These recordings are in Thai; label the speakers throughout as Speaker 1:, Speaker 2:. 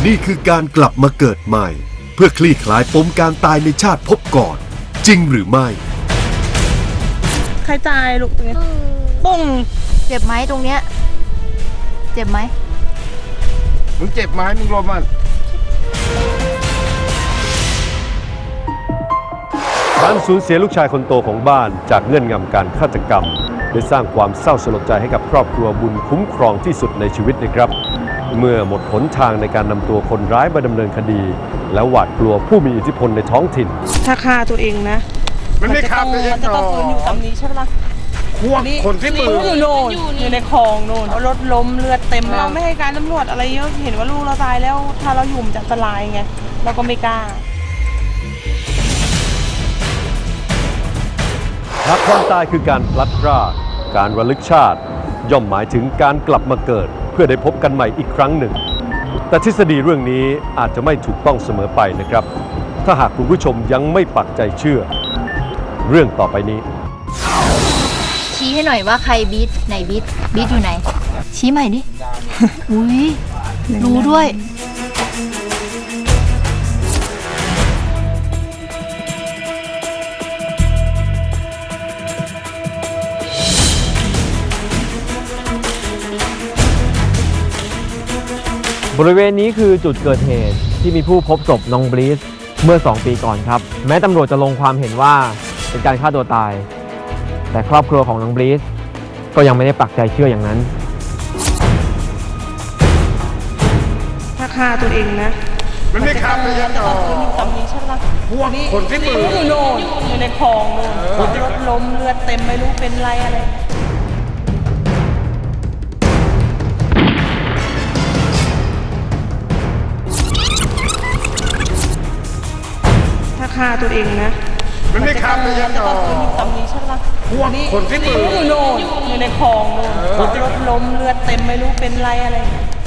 Speaker 1: นี่คือการกลับมาเกิดใหม่เพื่อคลี่คลายปมการตายในชาติภพก่อนจริงหรือไม่
Speaker 2: ใครตายลูกตรงนี้ปุ้ง
Speaker 3: เจ็บไหมตรงเนี้ยเจ็บไหม
Speaker 4: มึงเจ็บไหมมึงรอมัน
Speaker 1: การสูญเสียลูกชายคนโตของบ้านจากเงื่อนงำการฆาตกรรมได้สร้างความเศร้าสลดใจให้กับครอบครัวบุญคุ้มครองที่สุดในชีวิตนะครับ เมื่อหมดหนทางในการนำตัวคนร้ายมาดำเนินคดี และหวาดกลัวผู้มีอิทธิพลในท้องถิ่น
Speaker 2: ถ้าฆ่าตัวเองนะ
Speaker 4: มันไม่ฆ่าตัวเอง
Speaker 2: มันจะต้องปืนอยู่ตำนี้ใช่ปะ
Speaker 4: ควงคนที่ปืน
Speaker 2: อยู่โน่นอยู่ในคลองโน่นรถล้มเลือดเต็มเราไม่ให้การตำรวจอะไรเยอะเห็นว่าลูกเราตายแล้วถ้าเราอยู่มันจะอันตรายไงเราก็ไม่กล้า
Speaker 1: หากความตายคือการพลัดพรากการระลึกชาติย่อมหมายถึงการกลับมาเกิดเพื่อได้พบกันใหม่อีกครั้งหนึ่งแต่ทฤษฎีเรื่องนี้อาจจะไม่ถูกต้องเสมอไปนะครับถ้าหากคุณผู้ชมยังไม่ปักใจเชื่อเรื่องต่อไปนี้
Speaker 3: ชี้ให้หน่อยว่าใครบีทไหนบีทอยู่ไหนชี้ใหม่ดิ อุ้ยรู้ด้วย
Speaker 5: บริเวณนี้คือจุดเกิดเหตุที่มีผู้พบศพน้องบลีสเมื่อ2 ปีก่อนครับแม้ตำรวจจะลงความเห็นว่าเป็นการฆ่าตัวตายแต่ครอบครัวของน้องบลีสก็ยังไม่ได้ปักใจเชื่ออย่างนั้น
Speaker 2: ถ้าฆ่าตัวเองนะ
Speaker 4: มันไม่ฆ่าตัวเองหรอก
Speaker 2: ปืนอยู่ตำนี้ใช่ปะ
Speaker 4: ควงคนที่ปืน
Speaker 2: อยู่โน่นอยู่ในคลองโน่นรถล้มเลือดเต็มไม่รู้เป็นไรอะไรถ้าฆ่าตัวเองนะ
Speaker 4: มันไม่ฆ่าตัวเองหรอก
Speaker 2: ปืนอยู่ตำนี้ใช่ปะ
Speaker 4: ควงคนที่ปืน
Speaker 2: อยู่โน่นอยู่ในคลองโน่นรถล้มเลือดเต็มไม่รู้เป็นไรอะไร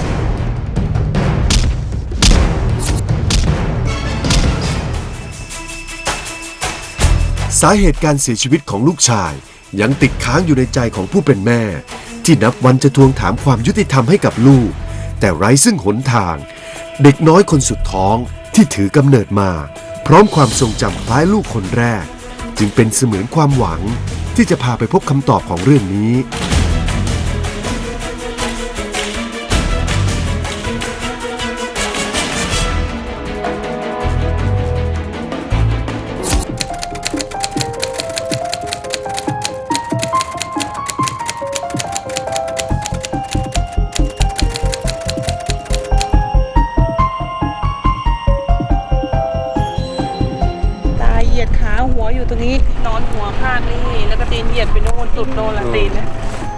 Speaker 1: สาเหตุการเสียชีวิตของลูกชายยังติดค้างอยู่ในใจของผู้เป็นแม่ที่นับวันจะทวงถามความยุติธรรมให้กับลูกแต่ไร้ซึ่งหนทางเด็กน้อยคนสุดท้องที่ถือกำเนิดมาพร้อมความทรงจำคล้ายลูกคนแรกจึงเป็นเสมือนความหวังที่จะพาไปพบคำตอบของเรื่องนี้
Speaker 2: เหยียดขาหัวอยู่ตรงนี้นอนหัวข้างนี่แล้วก็ตีนเหยียดไปโน่นสุดโน่นละตีนนะ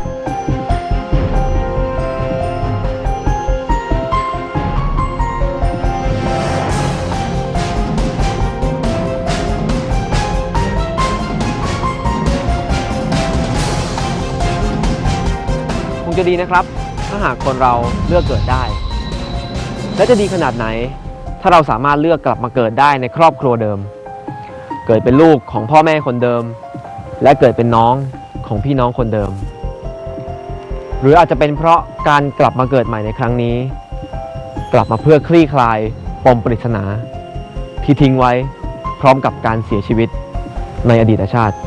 Speaker 5: คงจะดีนะครับถ้าหากคนเราเลือกเกิดได้และจะดีขนาดไหนถ้าเราสามารถเลือกกลับมาเกิดได้ในครอบครัวเดิมเกิดเป็นลูกของพ่อแม่คนเดิมและเกิดเป็นน้องของพี่น้องคนเดิมหรืออาจจะเป็นเพราะการกลับมาเกิดใหม่ในครั้งนี้กลับมาเพื่อคลี่คลายปมปริศนาที่ทิ้งไว้พร้อมกับการเสียชีวิตในอดีตชาติ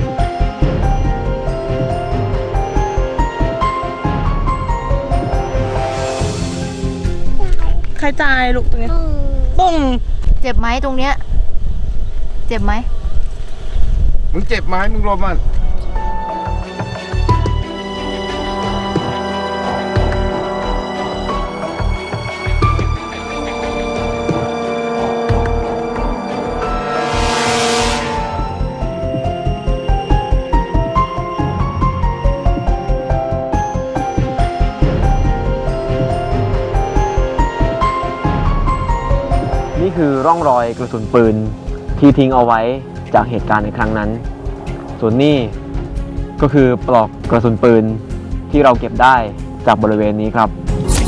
Speaker 2: ใครตายลูกตรงนี้ปุ้ง
Speaker 3: เจ็บไหมตรงเนี้ยเจ็บไหม
Speaker 4: มึงเจ็บไหมมึงรอมัน
Speaker 5: นี่คือร่องรอยกระสุนปืนที่ทิ้งเอาไว้จากเหตุการณ์ในครั้งนั้นส่วนนี้ก็คือปลอกกระสุนปืนที่เราเก็บได้จากบริเวณนี้ครับ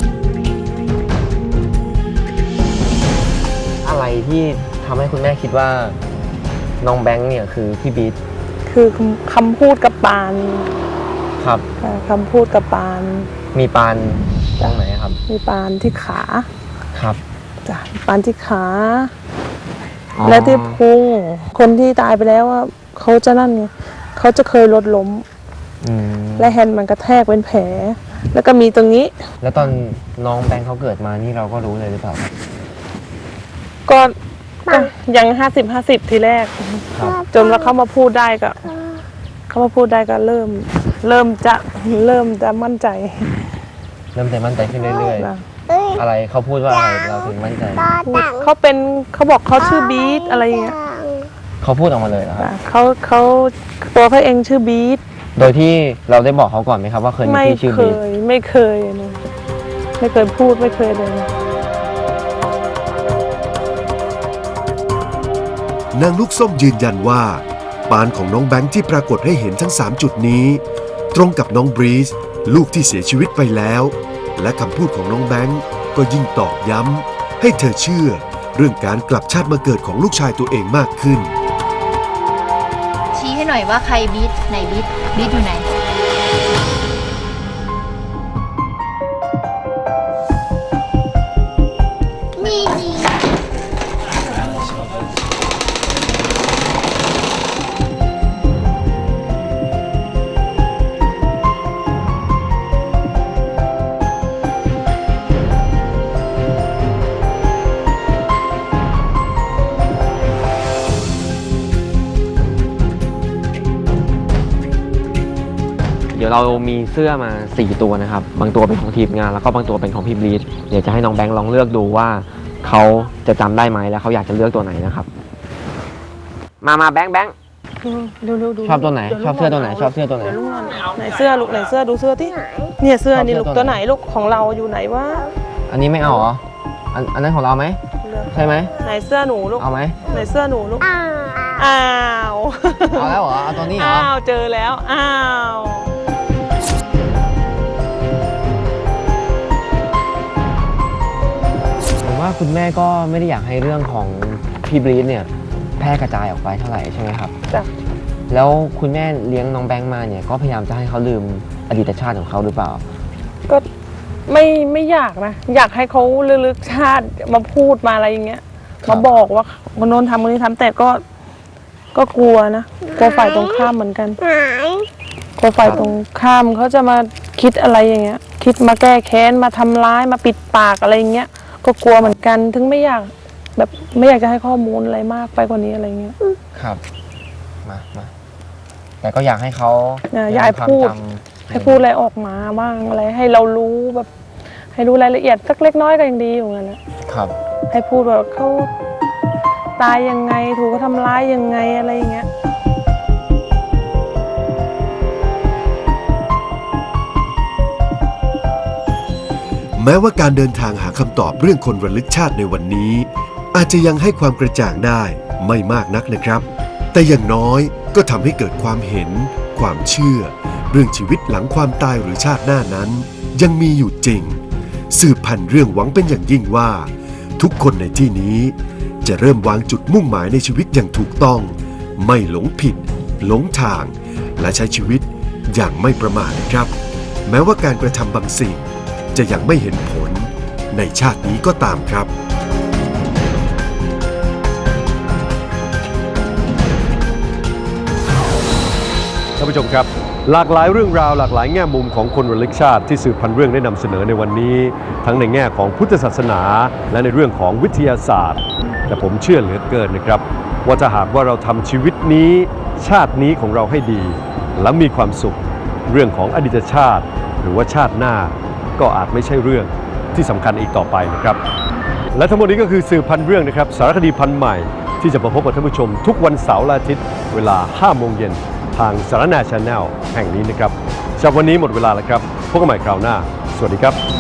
Speaker 5: อะไรที่ทำให้คุณแม่คิดว่าน้องแบงค์เนี่ยคือพี่บีท
Speaker 2: คือคำพูดกับปาน
Speaker 5: ครับ
Speaker 2: คำพูดกับปาน
Speaker 5: มีปานตรงไหนครับ
Speaker 2: มีปานที่ขา
Speaker 5: ครับ
Speaker 2: จ้ะปานที่ขาและที่พุงคนที่ตายไปแล้วว่าเขาจะนั่นไงเขาจะเคยรถล้ม และแฮนด์มันกระแทกเป็นแผลแล้วก็มีตรงนี้
Speaker 5: แล้วตอนน้องแบงค์เขาเกิดมานี่เราก็รู้เลยหรือเปล่าครับ
Speaker 2: ก็ยัง50-50ทีแรก
Speaker 5: ครับ
Speaker 2: จนว่าเขามาพูดได้ก็เริ่มจะมั่นใจ
Speaker 5: เริ่มแต่มั่นใจขึ้นเรื่อย
Speaker 2: นะ
Speaker 5: ๆ อะไรเขาพูดว่าอะไรเราถึงมั่นใจ
Speaker 2: พูดเขาบอกเขาชื่อบีทอะไรเงี้ย
Speaker 5: เขาพูดออกมาเลยเหรอครับ
Speaker 2: เขาตัวเขาเองชื่อบีท
Speaker 5: โดยที่เราได้บอกเขาก่อนไหมครับว่าเคยมีพี่ชื่อบีท
Speaker 2: ไม่เคยนะไม่เคยพูดไม่เคยเลย
Speaker 1: นางลูกส้มยืนยันว่าปานของน้องแบงค์ที่ปรากฏให้เห็นทั้ง 3 จุดนี้ ตรงกับน้องบรีซลูกที่เสียชีวิตไปแล้ว และคำพูดของน้องแบงค์ก็ยิ่งตอกย้ำให้เธอเชื่อเรื่องการกลับชาติมาเกิดของลูกชายตัวเองมากขึ้น
Speaker 3: ชี้ให้หน่อยว่าใครบีทไหนบีทอยู่ไหน
Speaker 5: เดี๋ยวเรามีเสื้อมา4ตัวนะครับบางตัวเป็นของทีมงานแล้วก็บางตัวเป็นของพี่บรีทเดี๋ยวจะให้น้องแบงค์ลองเลือกดูว่าเขาจะจำได้ไหมและเขาอยากจะเลือกตัวไหนนะครับมาแบงค์
Speaker 2: เร็วๆดู
Speaker 5: ชอบตัวไหนชอบเสื้อตัวไหนชอบเสื้อตัวไหน
Speaker 2: เดี๋ยวลูกนอนไหนเสื้อลูกไหนเสื้อดูเสื้อที่เนี่ยเสื้อนี่ลูกตัวไหนลูกของเราอยู่ไหนวะ
Speaker 5: อันนี้ไม่เอาเหรออันนั้นของเราไหมใช่ไหม
Speaker 2: ไหนเสื้อหนูลูก
Speaker 5: เอาไหม
Speaker 2: ไหนเสื้อหนูลูกอ้าว
Speaker 5: เอาแล้วเหรอเอาตัวนี้เหรอ
Speaker 2: อ้าวเจอแล้วอ้าว
Speaker 5: ผมว่าคุณแม่ก็ไม่ได้อยากให้เรื่องของพี่บรีทเนี่ยแพร่กระจายออกไปเท่าไหร่ใช่ไหมครับ
Speaker 2: จ้ะ
Speaker 5: แล้วคุณแม่เลี้ยงน้องแบงค์มาเนี่ยก็พยายามจะให้เขาลืมอดีตชาติของเขาหรือเปล่า
Speaker 2: ก็ไม่อยากนะอยากให้เขาลึกชาติมาพูดมาอะไรอย่างเงี้ย
Speaker 5: ครับ
Speaker 2: มาบอกว่าคนโน้นทำคนนี้ทำแต่ก็กลัวนะกลัวฝ่ายตรงข้ามเหมือนกันกลัวฝ่ายตรงข้ามเขาจะมาคิดอะไรอย่างเงี้ย คิดมาแก้แค้นมาทำร้ายมาปิดปากอะไรอย่างเงี้ยก็กลัวเหมือนกันถึงไม่อยากแบบไม่อยากจะให้ข้อมูลอะไรมากไปกว่านี้อะไรเงี้ย
Speaker 5: ครับมาแต่ก็อยากให้เขา
Speaker 2: อยากให้พูด
Speaker 5: ความจำ
Speaker 2: ให้พูดอะไรออกมาบ้างอะไรให้เรารู้แบบให้รู้รายละเอียดสักเล็กน้อยก็ยังดีอยู่งั้นนะครับ ให้พูดว่าเขาตายยังไงถูกเขาทำร้ายยังไงอะไรอย่างเงี้ย
Speaker 1: แม้ว่าการเดินทางหาคำตอบเรื่องคนระลึกชาติในวันนี้ อาจจะยังให้ความกระจ่างได้ไม่มากนักนะครับ แต่อย่างน้อยก็ทำให้เกิดความเห็น ความเชื่อ เรื่องชีวิตหลังความตายหรือชาติหน้านั้น ยังมีอยู่จริง สืบพันธุ์เรื่องหวังเป็นอย่างยิ่งว่า ทุกคนในที่นี้จะเริ่มวางจุดมุ่งหมายในชีวิตอย่างถูกต้อง ไม่หลงผิด หลงทาง และใช้ชีวิตอย่างไม่ประมาทนะครับ แม้ว่าการกระทำบางสิ่งจะยังไม่เห็นผลในชาตินี้ก็ตามครับ
Speaker 6: ท่านผู้ชมครับหลากหลายเรื่องราวหลากหลายแง่มุมของคนระลึกชาติที่สืบพันธุ์เรื่องได้นำเสนอในวันนี้ ทั้งในแง่ของพุทธศาสนาและในเรื่องของวิทยาศาสตร์ แต่ผมเชื่อเหลือเกินนะครับว่าถ้าหากว่าเราทำชีวิตนี้ชาตินี้ของเราให้ดี และมีความสุข เรื่องของอดีตชาติ หรือว่าชาติหน้าก็อาจไม่ใช่เรื่องที่สำคัญอีกต่อไปนะครับและทั้งหมดนี้ก็คือสืบพันธุ์เรื่องนะครับสารคดีพันธุ์ใหม่ที่จะมาพบกับท่านผู้ชมทุกวันเสาร์และอาทิตย์เวลา 5 โมงเย็นทางสารนา Channel แห่งนี้นะครับจากวันนี้หมดเวลาแล้วครับพบกันใหม่คราวหน้าสวัสดีครับ